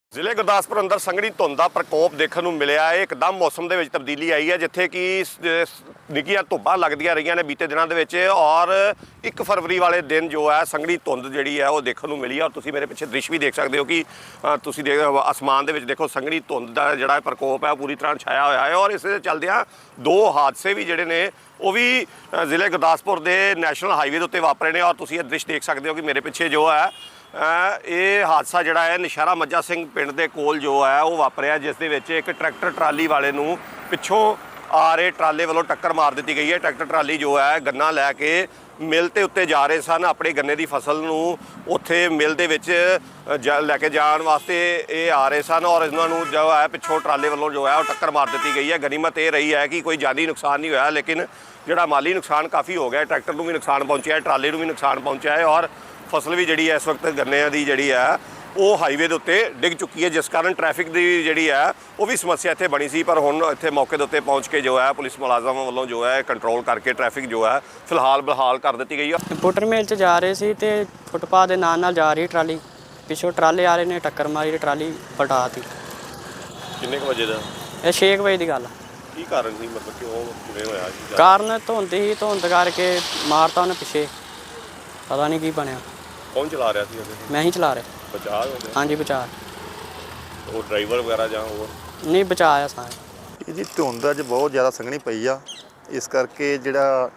ਜ਼ਿਲ੍ਹੇ ਗੁਰਦਾਸਪੁਰ ਅੰਦਰ ਸੰਘਣੀ ਧੁੰਦ ਦਾ ਪ੍ਰਕੋਪ ਦੇਖਣ ਨੂੰ ਮਿਲਿਆ ਹੈ। ਇੱਕਦਮ ਮੌਸਮ ਦੇ ਵਿੱਚ ਤਬਦੀਲੀ ਆਈ ਹੈ, ਜਿੱਥੇ ਕਿ ਨਿੱਕੀਆਂ ਧੁੱਪਾਂ ਲੱਗਦੀਆਂ ਰਹੀਆਂ ਨੇ ਬੀਤੇ ਦਿਨਾਂ ਦੇ ਵਿੱਚ ਔਰ 1 ਫਰਵਰੀ ਵਾਲੇ ਦਿਨ ਜੋ ਹੈ ਸੰਘਣੀ ਧੁੰਦ ਜਿਹੜੀ ਹੈ ਉਹ ਦੇਖਣ ਨੂੰ ਮਿਲੀ ਹੈ। ਔਰ ਤੁਸੀਂ ਮੇਰੇ ਪਿੱਛੇ ਦ੍ਰਿਸ਼ ਵੀ ਦੇਖ ਸਕਦੇ ਹੋ ਕਿ ਤੁਸੀਂ ਅਸਮਾਨ ਦੇ ਵਿੱਚ ਦੇਖੋ ਸੰਘਣੀ ਧੁੰਦ ਦਾ ਜਿਹੜਾ ਪ੍ਰਕੋਪ ਹੈ ਪੂਰੀ ਤਰ੍ਹਾਂ ਛਾਇਆ ਹੋਇਆ ਹੈ। ਔਰ ਇਸ ਦੇ ਚੱਲਦਿਆਂ 2 ਹਾਦਸੇ ਵੀ ਜਿਹੜੇ ਨੇ ਉਹ ਵੀ ਜ਼ਿਲ੍ਹੇ ਗੁਰਦਾਸਪੁਰ ਦੇ ਨੈਸ਼ਨਲ ਹਾਈਵੇ ਦੇ ਉੱਤੇ ਵਾਪਰੇ ਨੇ। ਔਰ ਤੁਸੀਂ ਇਹ ਦ੍ਰਿਸ਼ ਦੇਖ ਸਕਦੇ ਹੋ ਕਿ ਮੇਰੇ ਪਿੱਛੇ ਜੋ ਹੈ ਇਹ ਹਾਦਸਾ ਜਿਹੜਾ ਹੈ ਨਸ਼ਹਿਰਾ ਮੱਝਾ ਸਿੰਘ ਪਿੰਡ ਦੇ ਕੋਲ ਜੋ ਹੈ ਉਹ ਵਾਪਰਿਆ, ਜਿਸ ਦੇ ਵਿੱਚ ਇੱਕ ਟਰੈਕਟਰ ਟਰਾਲੀ ਵਾਲੇ ਨੂੰ ਪਿੱਛੋਂ ਆ ਰਹੇ ਟਰਾਲੇ ਵੱਲੋਂ ਟੱਕਰ ਮਾਰ ਦਿੱਤੀ ਗਈ ਹੈ। ਟਰੈਕਟਰ ਟਰਾਲੀ ਜੋ ਹੈ ਗੰਨਾ ਲੈ ਕੇ ਮਿਲ ਤੇ ਉੱਤੇ ਜਾ ਰਹੇ ਸਨ, ਆਪਣੇ ਗੰਨੇ ਦੀ ਫਸਲ ਨੂੰ ਉੱਥੇ ਮਿਲ ਦੇ ਵਿੱਚ ਲੈ ਕੇ ਜਾਣ ਵਾਸਤੇ ਇਹ ਆ ਰਹੇ ਸਨ ਔਰ ਇਹਨਾਂ ਨੂੰ ਜੋ ਹੈ ਪਿੱਛੋਂ ਟਰਾਲੇ ਵੱਲੋਂ ਜੋ ਹੈ ਉਹ ਟੱਕਰ ਮਾਰ ਦਿੱਤੀ ਗਈ ਹੈ। ਗਨੀਮਤ ਇਹ ਰਹੀ ਹੈ ਕਿ ਕੋਈ ਜਾਨੀ ਨੁਕਸਾਨ ਨਹੀਂ ਹੋਇਆ, ਲੇਕਿਨ ਜਿਹੜਾ ਮਾਲੀ ਨੁਕਸਾਨ ਕਾਫੀ ਹੋ ਗਿਆ। ਟਰੈਕਟਰ ਨੂੰ ਵੀ ਨੁਕਸਾਨ ਪਹੁੰਚਿਆ ਹੈ, ਟਰਾਲੇ ਨੂੰ ਵੀ ਨੁਕਸਾਨ ਪਹੁੰਚਿਆ ਹੈ ਔਰ ਫਸਲ ਵੀ ਜਿਹੜੀ ਹੈ ਇਸ ਵਕਤ ਗੰਨਿਆਂ ਦੀ ਜਿਹੜੀ ਹੈ ਉਹ ਹਾਈਵੇ ਦੇ ਉੱਤੇ ਡਿੱਗ ਚੁੱਕੀ ਹੈ, ਜਿਸ ਕਾਰਨ ਟ੍ਰੈਫਿਕ ਦੀ ਜਿਹੜੀ ਹੈ ਉਹ ਵੀ ਸਮੱਸਿਆ ਇੱਥੇ ਬਣੀ ਸੀ। ਪਰ ਹੁਣ ਇੱਥੇ ਮੌਕੇ ਦੇ ਉੱਤੇ ਪਹੁੰਚ ਕੇ ਜੋ ਹੈ ਪੁਲਿਸ ਮੁਲਾਜ਼ਮਾਂ ਵੱਲੋਂ ਜੋ ਹੈ ਕੰਟਰੋਲ ਕਰਕੇ ਟ੍ਰੈਫਿਕ ਜੋ ਹੈ ਫਿਲਹਾਲ ਬਹਾਲ ਕਰ ਦਿੱਤੀ ਗਈ ਹੈ। ਬੁੱਟਰ ਮੇਲ 'ਚ ਜਾ ਰਹੇ ਸੀ ਤੇ ਫੁੱਟਪਾਥ ਦੇ ਨਾਲ ਜਾ ਰਹੀ ਟਰਾਲੀ, ਪਿੱਛੋਂ ਟਰਾਲੇ ਆ ਰਹੇ ਨੇ ਟੱਕਰ ਮਾਰੀ ਤੇ ਟਰਾਲੀ ਪਲਟਾਤੀ। ਕਿੰਨੇ ਕੁ ਵਜੇ ਦਾ ਇਹ 6 ਵਜੇ ਦੀ ਗੱਲ ਆ। ਕੀ ਕਾਰਨ ਸੀ, ਮਤਲਬ ਕਿਉਂ ਕਿਵੇਂ ਹੋਇਆ ਸੀ? ਕਾਰਨ ਧੁੰਦ ਹੀ, ਧੁੰਦ ਕਰਕੇ ਮਾਰਤਾ ਉਹਨੇ ਪਿੱਛੇ, ਪਤਾ ਨਹੀਂ ਕੀ ਬਣਿਆ। ਕੌਣ ਚਲਾ ਰਿਹਾ ਸੀ? ਮੈਂ ਹੀ ਚਲਾ ਰਿਹਾ। ਬਚਾਅ ਹੋ ਗਿਆ? ਹਾਂਜੀ ਬਚਾ। ਉਹ ਡਰਾਈਵਰ ਵਗੈਰਾ ਜਾਂ ਹੋਰ? ਨਹੀਂ ਬਚਾਇਆ ਸਾਰੇ। ਇਹਦੀ ਧੁੰਦ ਅੱਜ ਬਹੁਤ ਜ਼ਿਆਦਾ ਸੰਘਣੀ ਪਈ ਆ, ਇਸ ਕਰਕੇ ਜਿਹੜਾ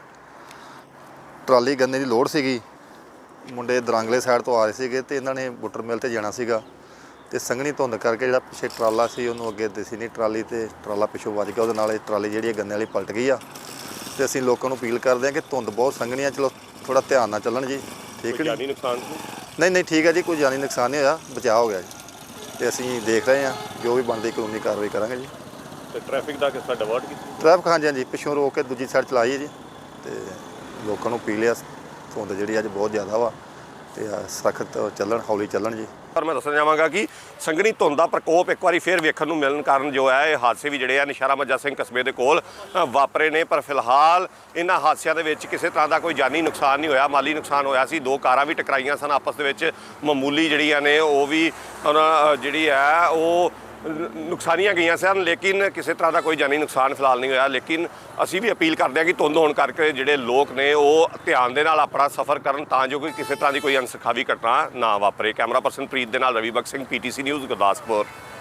ਟਰਾਲੀ ਗੰਨੇ ਦੀ ਲੋਡ ਸੀਗੀ, ਮੁੰਡੇ ਦਰਾਂਗਲੇ ਸਾਈਡ ਤੋਂ ਆ ਰਹੇ ਸੀਗੇ ਤੇ ਇਹਨਾਂ ਨੇ ਬੁੱਟਰ ਮਿਲ ਤੇ ਜਾਣਾ ਸੀਗਾ ਤੇ ਸੰਘਣੀ ਧੁੰਦ ਕਰਕੇ ਜਿਹੜਾ ਪਿੱਛੇ ਟਰਾਲਾ ਸੀ ਉਹਨੂੰ ਅੱਗੇ ਦਿਸੀ ਨਹੀਂ ਟਰਾਲੀ ਤੇ ਟਰਾਲਾ ਪਿੱਛੋਂ ਵੱਜ ਗਿਆ, ਉਹਦੇ ਨਾਲ ਇਹ ਟਰਾਲੀ ਜਿਹੜੀ ਗੰਨੇ ਵਾਲੀ ਪਲਟ ਗਈ ਆ। ਤੇ ਅਸੀਂ ਲੋਕਾਂ ਨੂੰ ਅਪੀਲ ਕਰਦੇ ਹਾਂ ਕਿ ਧੁੰਦ ਬਹੁਤ ਸੰਘਣੀ ਆ, ਚਲੋ ਥੋੜਾ ਧਿਆਨ ਨਾਲ ਚੱਲਣ ਜੀ, ਠੀਕ ਹੈ? ਜਾਨੀ ਨੁਕਸਾਨ? ਨਹੀਂ ਠੀਕ ਹੈ ਜੀ, ਕੋਈ ਜਾਨੀ ਨੁਕਸਾਨ ਨਹੀਂ ਹੋਇਆ, ਬਚਾਅ ਹੋ ਗਿਆ ਜੀ ਤੇ ਅਸੀਂ ਦੇਖ ਰਹੇ ਹਾਂ ਜੋ ਵੀ ਬਣਦੀ ਕਾਨੂੰਨੀ ਕਾਰਵਾਈ ਕਰਾਂਗੇ ਜੀ। ਤੇ ਟ੍ਰੈਫਿਕ ਦਾ ਕਿਸ ਤਰ੍ਹਾਂ ਡਿਵਰਟ ਕੀਤਾ? ਟ੍ਰੈਫਿਕ ਹਾਂਜੀ ਪਿੱਛੋਂ ਰੋਕ ਕੇ ਦੂਜੀ ਸਾਈਡ ਚਲਾਈ ਹੈ ਜੀ ਤੇ ਲੋਕਾਂ ਨੂੰ ਅਪੀਲ ਆ ਧੁੰਦ ਜਿਹੜੀ ਅੱਜ ਬਹੁਤ ਜ਼ਿਆਦਾ ਵਾ ਤੇ ਸਖਤ ਚੱਲਣ, ਹੌਲੀ ਚੱਲਣ ਜੀ। ਪਰ ਮੈਂ ਦੱਸਣਾ ਚਾਹਾਂਗਾ ਕਿ ਸੰਘਣੀ ਧੁੰਦ ਦਾ ਪ੍ਰਕੋਪ ਇੱਕ ਵਾਰੀ ਫਿਰ ਵੇਖਣ ਨੂੰ ਮਿਲਣ ਕਾਰਨ ਜੋ ਹੈ ਇਹ ਹਾਦਸੇ ਵੀ ਜਿਹੜੇ ਆ ਨਸ਼ਹਿਰਾ ਮੱਝਾ ਸਿੰਘ ਕਸਬੇ ਦੇ ਕੋਲ ਵਾਪਰੇ ਨੇ। ਪਰ ਫਿਲਹਾਲ ਇਹਨਾਂ ਹਾਦਸਿਆਂ ਦੇ ਵਿੱਚ ਕਿਸੇ ਤਰ੍ਹਾਂ ਦਾ ਕੋਈ ਜਾਨੀ ਨੁਕਸਾਨ ਨਹੀਂ ਹੋਇਆ। ਮਾਲੀ ਨੁਕਸਾਨ ਹੋਇਆ ਸੀ, 2 ਕਾਰਾਂ ਵੀ ਟਕਰਾਈਆਂ ਸਨ ਆਪਸ ਦੇ ਵਿੱਚ, ਮਾਮੂਲੀ ਜਿਹੜੀਆਂ ਨੇ ਉਹ ਵੀ ਜਿਹੜੀ ਹੈ ਉਹ ਨੁਕਸਾਨੀਆਂ ਗਈਆਂ ਸਨ, ਲੇਕਿਨ ਕਿਸੇ ਤਰ੍ਹਾਂ ਦਾ ਕੋਈ ਜਾਨੀ ਨੁਕਸਾਨ ਫਿਲਹਾਲ ਨਹੀਂ ਹੋਇਆ। ਲੇਕਿਨ ਅਸੀਂ ਵੀ ਅਪੀਲ ਕਰਦੇ ਹਾਂ ਕਿ ਧੁੰਦ ਹੋਣ ਕਰਕੇ ਜਿਹੜੇ ਲੋਕ ਨੇ ਉਹ ਧਿਆਨ ਦੇ ਨਾਲ ਆਪਣਾ ਸਫ਼ਰ ਕਰਨ ਤਾਂ ਜੋ ਕੋਈ ਕਿਸੇ ਤਰ੍ਹਾਂ ਦੀ ਕੋਈ ਅਣਸੁਖਾਵੀ ਘਟਨਾ ਨਾ ਵਾਪਰੇ। ਕੈਮਰਾ ਪਰਸਨ ਪ੍ਰੀਤ ਦੇ ਨਾਲ ਰਵੀ ਬਖਸ਼ ਸਿੰਘ, PTC ਨਿਊਜ਼ ਗੁਰਦਾਸਪੁਰ।